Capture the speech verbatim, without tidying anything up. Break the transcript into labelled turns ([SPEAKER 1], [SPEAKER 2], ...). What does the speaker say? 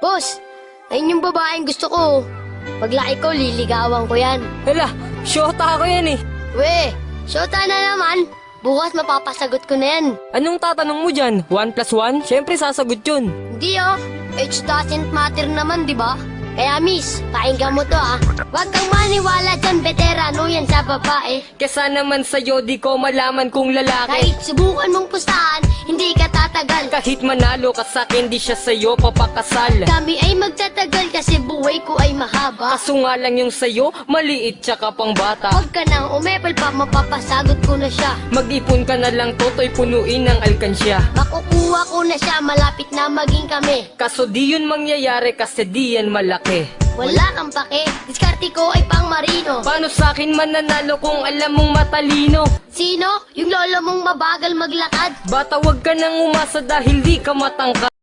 [SPEAKER 1] Boss, ayun yung babaeng gusto ko. Paglaki ko, liligawan ko yan.
[SPEAKER 2] Hala, syota ako yan eh.
[SPEAKER 1] We, syota na naman. Bukas mapapasagot ko na yan.
[SPEAKER 2] Anong tatanong mo dyan? One plus one? Siyempre sasagot yun.
[SPEAKER 1] Hindi oh, age doesn't matter naman, di ba? Kaya miss, pakinggan mo to ah. Huwag kang maniwala dyan, veterano yan sa babae.
[SPEAKER 2] Kesa naman sa'yo, di ko malaman kung lalaki.
[SPEAKER 1] Kahit subukan mong pustahan, hindi ka tatagal.
[SPEAKER 2] Kahit manalo ka sa'kin, di siya sa'yo papakasal.
[SPEAKER 1] Kami ay magtatagal kasi buhay ko ay mahaba.
[SPEAKER 2] Kaso nga lang yung sa'yo, maliit tsaka pang bata.
[SPEAKER 1] Huwag ka nang umepal pa, mapapasagot ko na siya.
[SPEAKER 2] Mag-ipon ka na lang, toto'y punuin ng alkansya.
[SPEAKER 1] Makukuha ko na siya, malapit na maging kami.
[SPEAKER 2] Kaso di yun mangyayari kasi di yan malaki.
[SPEAKER 1] Wala kang pake, diskarte ko ay pang marino.
[SPEAKER 2] Paano sa'kin mananalo kung alam mong matalino?
[SPEAKER 1] Sino? Yung lolo mong mabagal maglakad?
[SPEAKER 2] Bata, wag ka nang umasa dahil di ka matangkad.